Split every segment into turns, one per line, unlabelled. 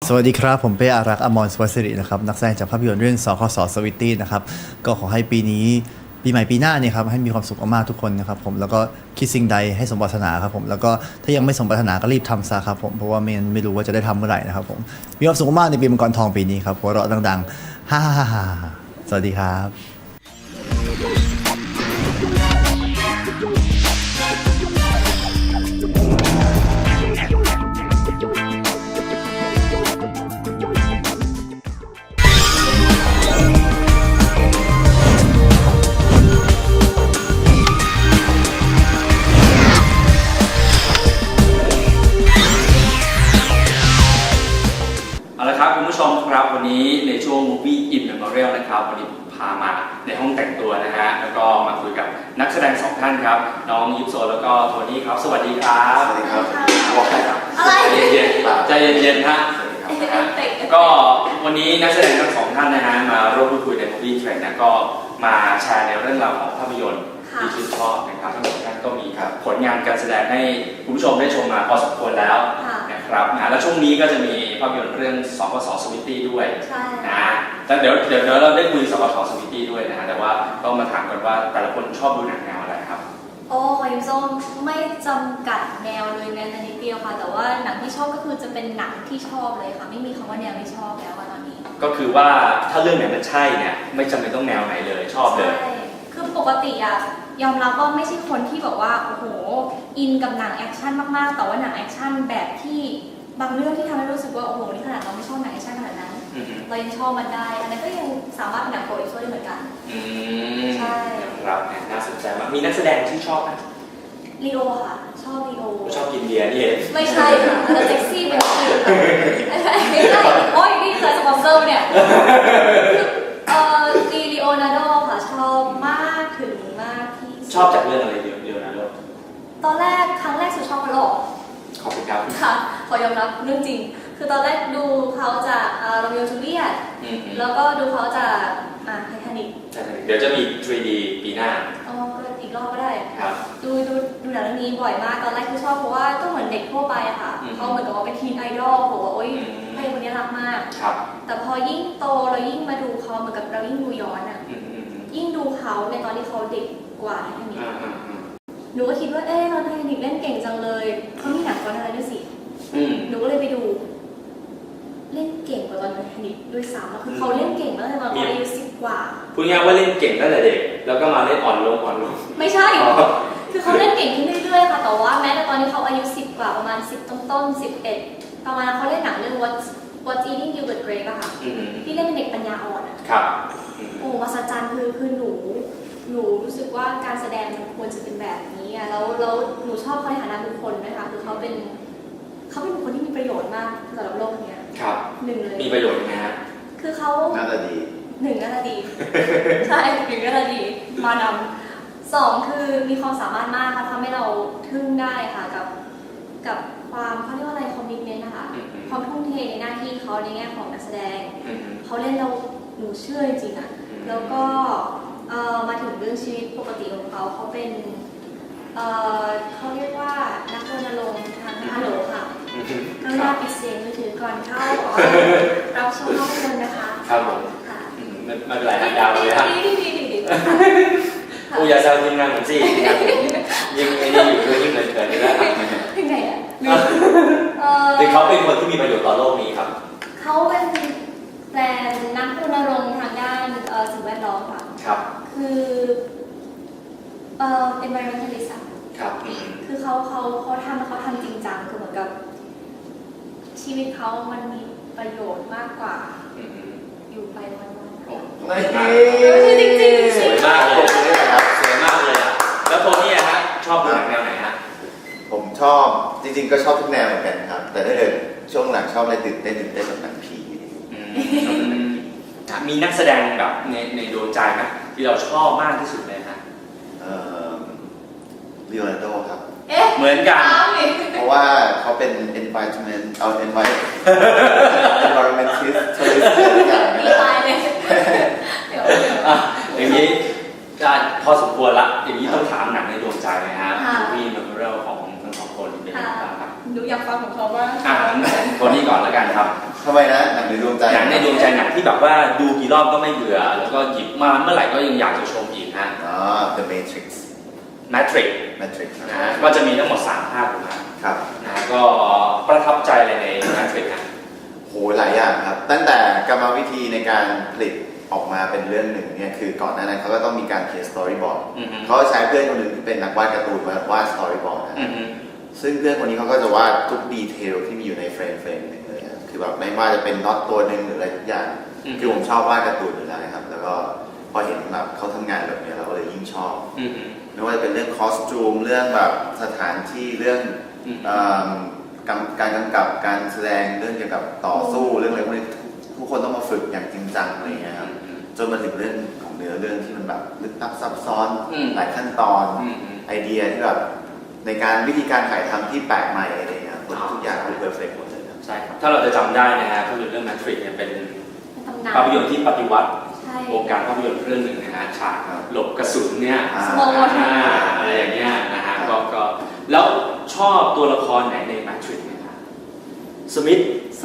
สวัสดีครับผมเป้อารักษ์อมร สุวรรณสิรินะครับนักแสดงจากภาพยนตร์เรื่องสคส.สวิตตี้นะครับก็ขอให้ปีนี้ปีใหม่ปีหน้าเนี่ยครับให้มีความสุขมากๆทุกคนนะครับผมแล้วก็คิดสิ่งใดให้สมปรารถนาครับผมแล้วก็ถ้ายังไม่สมปรารถนาก็รีบทำซะครับผมเพราะว่าไม่รู้ว่าจะได้ทำเมื่อไหร่นะครับผมมีความสุขมากในปีมังกรทองปีนี้ครับหัวเราะดังๆฮ่าฮ่าฮ่าสวัสดีครับ
คุณผู้ชมครับวันนี้ในช่วง Movie in Memorial นะครับวันนี้พามาในห้องแต่งตัวนะฮะแล้วก็มาคุยกับนักแสดงสองท่านครับน้องยิปโซแล้วก็โทนี่ครับสวัสดีครับ
สวัสดีครับ
บอกได้ครับใจเย็นๆใจเย็นๆฮะก็วันนี้นักแสดงทั้งสองท่านนะฮะมาร่วมพูดคุยใน Movie Trend นะก็มาแชร์ในเรื่องราวของภาพยนตร์ที่ชื่นชอบนะครับทั้งสองท่านก็มีผลงานการแสดงให้คุณผู้ชมได้ชมมาพอสมควรแล้วนะครับแล้วช่วงนี้ก็จะมีภาพยนตร์เรื่องสคส.สวิตตี้ด้วยนะแล้วเดี๋ยวเราได้คุยสคส.สวิตตี้ด้วยนะแต่ว่าต้องมาถามกันว่าแต่ละคนชอบดูหนังแนวอะไรครับ
โอ้ยส้มไม่จำกัดแนวเลยแม้แต่นิดเดียวค่ะแต่ว่าหนังที่ชอบก็คือจะเป็นหนังที่ชอบเลยค่ะไม่มีคำว่าแนวไม่ชอบแล้วตอนนี้
ก็คือว่าถ้าเรื่องไหนมันใช่เนี่ยไม่จำเป็นต้องแนวไหนเลยชอบเลย
คือปกติอะยอมรับว่าไม่ใช่คนที่แบบว่าโอ้โหอินกับหนังแอคชั่นมากๆแต่ว่าหนังแอคชั่นแบบที่บางเรื่องที่ทำให้รู้สึกว่าโอ้โหนี่ขนาดเราไม่ชอบหนังแอคชั่นขนาดนั้นเรายังชอบมันได้อันนั้นก็ยังสามารถเป็นหนังโปรอีกช่วยได้เหมือนกันใช่
ครับน่าสนใจมากมีนักแสดงที่ชอบไหม
ลีโอค่ะชอบลีโอ
ชอบกินเบียร์นี่เอง
ไม่ใช่ค่ะแต่เซ็กซี่เป็นอื่นไม่ใช่โอ้ยนี่คือสปอนเซอร์เนี่ยลีโอนาร์โดค่ะชอบมากถึงมากที่
ชอบจากเรื่องอะไรลีโอนาร์โด
ตอนแรกครั้งแรกสุดชอบเขาหรอ
ขอบคุณครับ
ค่ะขอยอมรับเรื่องจริงคือตอนแรกดูเขาจากโรมิโอจูเลียตแล้วก็ดูเขาจากไททานิค
เดี๋ยวจะมี 3D ปีหน้า
อ๋อก็อีกรอบก็ได้
ครับ
ดูหนังเรื่องนี้บ่อยมากตอนแรกคือชอบเพราะว่าก็เหมือนเด็กทั่วไปอะค่ะเขาเหมือนกับว่าเป็นทีนไอดอลบอกว่าโอ๊ยให้คนนี้รักมากแต่พอยิ่งโตเรายิ่งมาดูเขาเหมือนกับเรายิ่งดูย้อนอะยิ่งดูเขาในตอนที่เขาเด็กกว่าไททานิคหนูก็คิดว่าเราไททานิคเล่นเก่งจังเลยเขามีหนังก่อนอะไรด้วยสิหนูก็เลยไปดูเล่นเก่งกว่าตอนไททานิคด้วยซ้ำคือเขาเล่นเก่งตั้งแต่ตอนเขาอายุ10 กว่า
พูดง่ายว่าเล่นเก่งตั้งแต่เด็กแล้วก็มาเล่นอ่อนลง
ไม่ใช่คือเขาเล่นเก่งขึ้นเรื่อยๆค่ะแต่ว่าแม้แต่ตอนที่เขาอายุ10 กว่าประมาณ10ต้น11ประมาณเขาเล่นหนังเรื่อง What's Eating Gilbert Grape อะค่ะที่เล่นเป็นเด็กปัญญาอ่อนอะ
ครับ
โอ้มหัศจรรย์คือหนูรู้สึกว่าการแสดงมันควรจะเป็นแบบนี้อะแล้วหนูชอบเขาในฐานะบุคคลนะคะคือเขาเป็นบุคคลที่มีประโยชน์มากสำหรับโลกนี้
ครับ
หนึ่งเลย
มีประโยชน์ยังไงฮะ
คือเขา
น่าจะดี
น่าจะดีใช่น่าจะดีมานำ2คือมีความสามารถมากเขาทำให้เราทึ่งได้ค่ะกับความเขาเรียกว่าอะไรคอมมิตเมนต์นะคะความทุ่มเทในหน้าที่เขาในแง่ของนักแสดงเขาเล่นเราหนูเชื่อจริงๆอะแล้วก็มาถึงเรื่องชีวิตปกติของเขาเป็นเขาเรียกว่านักรณรงค์ทางฮัลโหลค่ะกรุณาปิดเสียงมือถือก่อนเข้ารับชมภาพยนตร์นะคะ
ครับผม
ค่ะ
ไม่เป็นไรครับยาวเลยครับอุยาซาทีมงานผมสิยิ่งไอ้นี่อยู่ด้วยยิ่งเกินเลยแล้ว
ถึงไหนอ่ะ
แต่เขาเป็นคนที่มีประโยชน์ต่อโลกนี้ครับ
เขาเป็นนักรณรงค์ทางด้านสิ่งแวดล้อมค่ะ
ครับ
คือenvironmentalist
ครับ
คือเขาทำจริงจังคือเหมือนกับชีวิตเขามันมีประโยชน์มากกว่าอยู่ไปวัน
ๆ
จริง
สวยมากเลยสวยมากเลยแล้วโทนี่ฮะชอบดูหนังแนวไหนฮะ
ผมชอบจริงๆก็ชอบทุกแนวเหมือนกันครับแต่ถ้าเกิดช่วงหลังชอบอะไรตื่นเต้นแบบหนังผี
มีนักแสดงแบบในดวงใจไหมที่เราชอบมากที่สุดเลยฮะ
ลีโอนาร์โดครับ
เหมือนกัน
เพราะว่าเขาเป็น environmentist ทุกอย่าง
ตายเลย
อย่างนี้พอสมควรละอย่างนี้ต้องถามหนังในดวงใจนะฮะมีเมมโมเรียลของทั้งสองคนเป็นยังไงบ้างครับ
หนูอยากฟังของเขาว่า
คนนี้ก่อนแล้วกันครับ
ทำไมนะหนังในดวงใจ
หนังในดวงใจหนังที่แบบว่าดูกี่รอบก็ไม่เบื่อแล้วก็หยิบมาเมื่อไหร่ก็ยังอยากจะชมอีกฮะ
The Matrix
Matrix
Matrix
นะฮะก็จะมีทั้งหมด3ภาคถูกไหม
ครับ
นะก็ประทับใจอะไรใน Matrix นะ
โหหลายอย่างครับ ตั้งแต่กรรมวิธีในการผลิตออกมาเป็นเรื่องหนึ่งเนี่ยคือก่อนหน้านั้นเขาก็ต้องมีการเขียนสตอรี่บอร์ด
อือฮึ
เขาใช้เพื่อนคนหนึ่งที่เป็นนักวาดการ์ตูนมาวาดสตอรี่บอร์ดนะ
อือฮึ
ซึ่งเพื่อนคนนี้เขาก็จะวาดทุกดีเทลที่มีอยู่ในเฟรมหนึ่งเลยครับคือแบบไม่ว่าจะเป็นน็อตตัวหนึ่งหรืออะไรทุกอย่างคือผมชอบวาดการ์ตูนอยู่แล้วนะครับแล้วก็พอเห็นแบบเขาทำงานแบบนี้เราก็เลยยิ่งชอบ
อือฮึ
ไม่ว่าจะเป็นเรื่องคอสตูมเรื่องแบบสถานที่เรื่อง
อืม
การกำกับการแสดงเรื่องเกี่ยวกับต่อสู้เรื่องอะไรพวกนี้ทุกคนต้องมาฝึกอย่างจริงจังอะไรอย่างเงี้ยครับจนมาถึงเรื่องของเนื้อเรื่องที่มันแบบลึกลับซับซ้อนหลายขั้นตอนไอเดียที่แบบในการวิธีการถ่ายทำที่แปลกใหม่อะไรเงี้ยทุกอย่างคือเพอร์เฟกต์หมดเลยครับ
ใช่ครับถ้าเราจะจำได้นะฮะภาพยนตร์เรื่อง Matrix เนี่ยเป็น
ตำนาน
ภาพยนตร์ที่ปฏิวัติ
ใช่
วงการภาพยนตร์เรื่องหนึ่งนะฮะฉากหลบกระสุนเนี่ย
Slow motion
อะไรอย่างเงี้ยนะฮะก็แล้วชอบตัวละครไหนใน Matrix ไหมครับสมิธ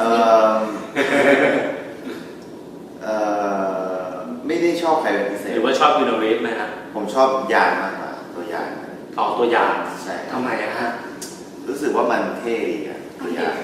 ไม่ได้ชอบใครเป็นพิเศษ
หรือว่าชอบยูโนรีฟไหมฮะ
ผมชอบยานมากกว่าตัวยาน
ออกตัวอย่าง
ใช่
ทำไมอะฮะ
รู้สึกว่ามันเท่ดีอะตัวยาน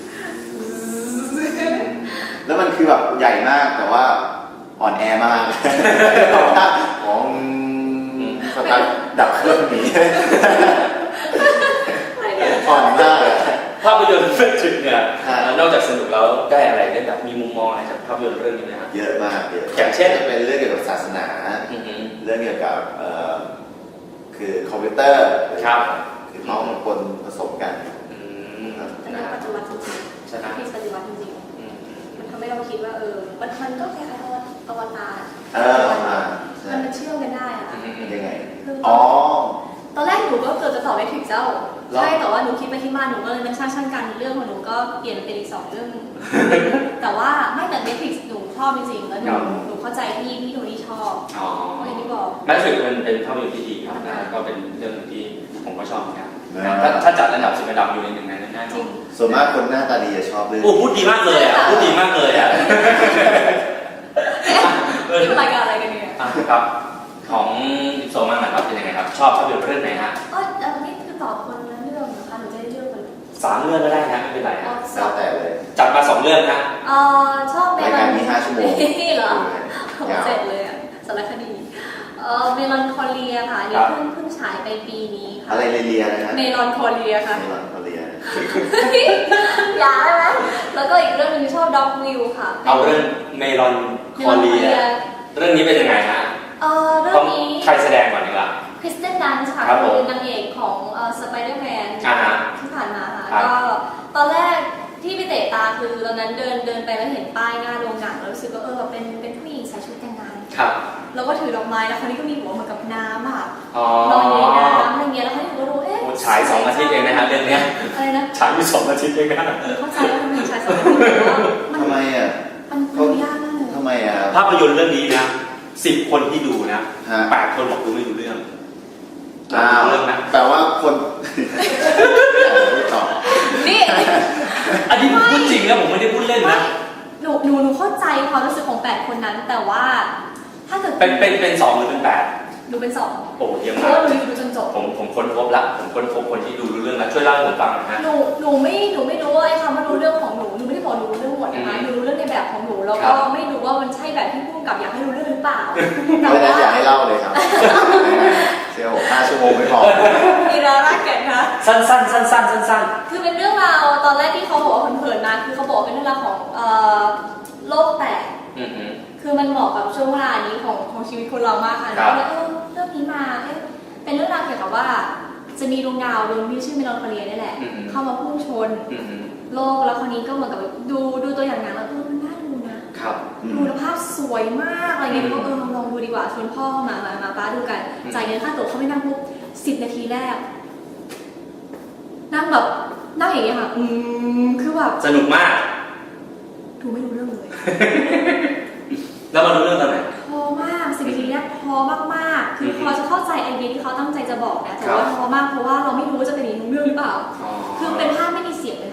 แล้วมันคือแบบใหญ่มากแต่ว่าอ่อนแอมากของสตาร์ทดับเครื่องหนีอ่อนมาก
ภาพยนตร์ Matrix เนี่ย
ครับ
นอกจากสนุกแล้วได้อะไรได้แบบมีมุมมองอะไรจากภาพยนตร์เรื่องนี้ไหมครับ
เยอะมากเยอะ
อย่างเช่น
จะเป็นเรื่องเกี่ยวกับศาสนา
อือฮึ
เรื่องเกี่ยวกับคือคอมพิวเตอร์
ครับ
คือเขามาปนผสมกัน
อืม
เป็นเรื่องปัจจุบันจริง
ใช่ไหม
ๆที่ปัจจุบันจริง
อืม
ๆมันทำให้เราคิดว่ามันก็คล้ายๆอวตาร
ใช่
มันเชื่อมกันได้อะ
ยังไง
คือ
อ๋อ
ตอนแรกหนูก็เกือบจะตอบไม่ถึงเจ้า
หรอ
ใช่แต่ว่าหนูคิดไปคิดมาหนูก็เลยมันช่างกันเรื่องของหนูก็เปลี่ยนเป็นอีก2 เรื่อง แต่ว่าไม่แต่ Netflix หนูชอบจริงๆแล้วหนูเข้าใจพี่โทนี่ชอบ
อ๋อ
เพราะอย่างที่บอก
Matrix เป็นภาพยนตร์ที่ดีครับนะก็เป็นเรื่องหนึ่งที่ผมก็ชอบเหมือนกันนะถ้าจัดอันดับ10 อันดับอยู่ในหนึ่งในนั้นแน่น
จ
อ
ริ
น
ง
ส่วนมากคนหน้าตาดีจะชอบเรื่อง
โอ้พูดดีมากเลยอ่ะพูดดีมากเลยอ่ะ
นี่เป็นรายการอะไรกันเนี่ย
อ่ะครับของโซมันนะครับเป็นยังไงครับชอบภาพยนตร์เรื่องไหนฮะ
นี่คือตอบคนละเรื่องนะคะหนูจะได้เลือกคน
3 เรื่องก็ได้นะไม่เป็นไรฮะ
แล้วแต่เลย
จัดมา2 เรื่องนะ
ชอบเม
ราย
ล
กา
อ
ร
น
มี5 ชั่วโมง
นี่เหรอ
ยาว
เสร็จเลยอะสารคดีเมลอนคอเลียค่ะอันนี่เพิ่งฉายไปปีนี้ค่ะ
อะไรเลียๆนะฮะ
เมลอนคอเลียค่ะ
เมลอนเขาเลีย
อยากได้ไหมแล้วก็อีกเรื่องหนึงชอบด็อกวิวค่ะ
เอาเรื่องเมลอนคอเลียเรื่องนี้เป็นยังไงฮะ
เรื่
ต้
อ
อง
งนี้
ใครแสดงก่อนดีกว่า
คริสเตนดันส์ค่ะ
ครับผม
คือนางเอกของสไปเดอร์แมน
อ่าฮะ
ที่ผ่านมาค่ะ
ครับ
ก็ตอนแรกที่ไปเตะตาคือตอนนั้นเดินไปแล้วเห็นป้ายหน้าโรงหนังแล้วรู้สึกว่าแบบเป็นผู้หญิงใส่ชุดแต่งงาน
ครับ
แล้วก็ถือดอกไม้แล้วคราวนี้ก็มีหัวเหมือนกับน้ำค่ะ
อ๋อ
ลอยอยู่ในน้ำอะไรเงี้ยแล้วคราวนี้หนูก็รู้เอ๊ะ
โอ้ฉาย2 อาทิตย์เองนะฮะเรื่องเนี้ย
อะไรนะ
ฉายอยู่2 อาทิตย์เองนะ
เข้าใจว่าทำไมฉายสองอาทิตย์แต่ว่ามัน
ทำไมอ่ะ
มันยากมากเลย
ทำไมอ่ะ
ภาพยนตร์เรื่องนี้นะ10 คนที่ดูนะ
ฮะ
8 คนบอกดูไม่รู้เรื่อง
อ้าว
เรื่องนะ
แต่ว่าคนไม่ตอบ
นี่
อันนี้ผมพูดจริงนะผมไม่ได้พูดเล่นนะ
หนูเข้าใจความรู้สึกของ8 คนนั้น แต่ว่าถ้าเกิด
เป็น2 หรือเป็น 8
หนูเป็น2
โอ้เยี่ยม
เพ
มา
ราะ
ก
ว่าหนูดูจนจบ
ผมค้นพบละผมค้นพบคนที่ดูรู้เรื่องแล้วช่วยเล่าให้ผมฟังหน่อยฮะ
หนูไม่รู้ว่าไอ้คำว่ารู้เรื่องของหนูไม่ได้บอกหนูรู้เรื่องหมดนะคะหนูรู้เรื่องในแบบของหนูแล้ว
ครั
ก็
บ
ไม่รู้ว่ามันใช่แบบที่ผู้กำกับอยากให้รู้เรื่องหรือเปล่า
เพราะฉะนั้นอยากให้เล่าเลยครับเชียว5 ชั่วโมงไม่พอ
มีรารักแก่นคะ
สั้น
คือเป็นเรื่องราวตอนแรกที่เขาบอกว่าเผินๆนะคือเขาบอกว่าเป็นเรื่องราวของโลกแตก
อือฮึ
คือมันเหมาะกับช่วงเวลานี้ของชีวิตคนเรามากค่ะ
ครับ
แล้วเรื่องนี้มาเป็นเรื่องราวเกี่ยวกับว่า จะมีดวงดาวดวงที่ชื่อเมลอนคอเลียนี่แหละ เข้ามาพุ่งชน
อือฮึ
โลกแล้วคนนี้ก็เหมือนกับดูตัวอย่างหนังแล้วมันน่าดูนะครับ ดูแล้วภาพสวยมากอะไรเงี้ยก็ลองดูดีกว่าชวนพ่อเข้ามาป้าดูกันจ่ายเงินค่าตั๋วเขาไม่นั่งปุ๊บ10 นาทีแรก นั่งแบบนั่งอย่างเงี้ยค่ะคือแบบ
สนุกมาก
ดูไม่รู้เรื่องเลย
แล้วมารู้เรื่องตอนไหน
พอมาก10 นาทีแรกพอมากๆคือพอจะเข้าใจไอเดียที่เขาตั้งใจจะบอกนะแต่ว่าพอมากเพราะว่าเราไม่รู้ว่าจะเป็นอีกเรื่องหรือเปล่า คือเป็นภาพไม่มีเสียงเลยค่ะ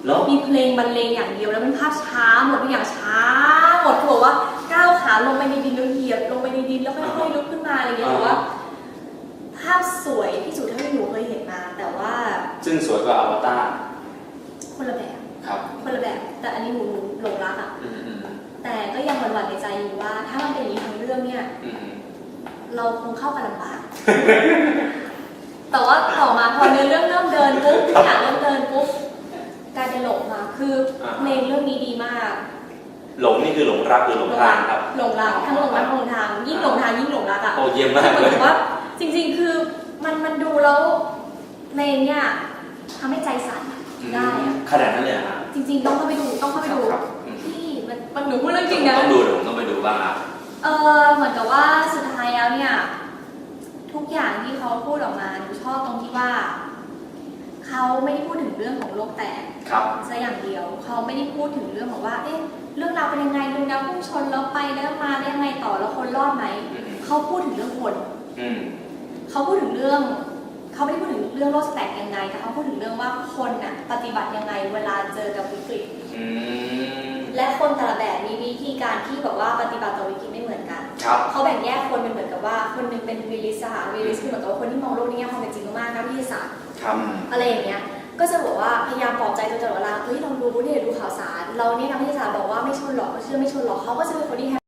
แล้ว
มีเพลงบรรเลงอย่างเดียวแล้วเป็นภาพช้าหมดทุกอย่างช้าหมดคือบอกว่าก้าวขาลงไปในดินแล้วเหยียบลงไปในดินแล้วค่อยๆลุกขึ้นมาอะไรอย่างเงี้ยแต่ว่าภาพสวยที่สุดเท่าที่หนูเคยเห็นมาแต่ว่า
ซึ่งสวยกว่าอวตาร
คนละแบบ
ครับ
คนละแบบแต่อันนี้หนูหลงรักอ่ะ
อืม
แต่ก็ยังหวั่นๆในใจอยู่ว่า ถ้ามันเป็นอย่างนี้ทั้งเรื่องเนี่ย
อืม
เราคงเข้ากันลำบาก แต่ว่าต่อมาพอเนื้อเรื่องเริ่มเดินปุ๊บทุกอย่างเริ่มเดินปุ๊บกลายเป็นหลงมาคือเพลงเรื่องนี้ดีมาก
หลงนี่คือหลงรักหรือหลงทางครับ
หลงรักทั้งหลงรักหลงทางยิ่งหลงทางยิ่งหลงรักอ่ะ
โอ้เยี่ยมมาก
เหมื
เล
อน
ย
กับว่าจริงๆคือมันดูแล้วเพลงเนี่ยทำให้ใจสั่นได้อะ
ขนาดนั้นเลยเหรอฮะ
จริงๆต้องเข้าไปดู
ครับ
พี่มันหนูพูดเรื่องจริงนะ
ต้องดูเดี๋ยวผมต้องไปดูบ้างครับ
เหมือนกับว่าสุดท้ายแล้วเนี่ยทุกอย่างที่เขาพูดออกมาหนูชอบตรงที่ว่าเขาไม่ได้พูดถึงเรื่องของโลกแตก
ครับ
ซะอย่างเดียวเขาไม่ได้พูดถึงเรื่องของว่าเอ๊ะเรื่องราวเป็นยังไงดวงดาวพุ่งชนแล้วไปแล้วมาได้ยังไงต่อแล้วคนรอดไหมเขาพูดถึงเรื่องคน
อืม
เขาพูดถึงเรื่องเขาไม่ได้พูดถึงเรื่องโลกแตกยังไงแต่เขาพูดถึงเรื่องว่าคนน่ะปฏิบัติยังไงเวลาเจอกับวิกฤต
อืม
และคนแต่ละแบบมีวิธีการที่แบบว่าปฏิบัติต่อวิกฤตไม่เหมือนกัน
ครับ
เขาแบ่งแยกคนเป็นเหมือนกับว่าคนหนึงเป็นรีลิสค่ะรีลิสคือเหมือนกับว่าคนที่มองโลกในแง่ความเป็นจริงมากๆนักวิทยาศาสตร์
ครับ
อะไรอย่างเงี้ยก็จะบอกว่าพยายามปลอบใจตัวเองตลอดเวลาเฮ้ยเรารู้เนี่ยดูข่าวสารเราเนี่ยนักวิทยาศาสตร์บอกว่าไม่ชนหรอกเขาเชื่อไม่ชนหรอกเขาก็จะเป็นคนที่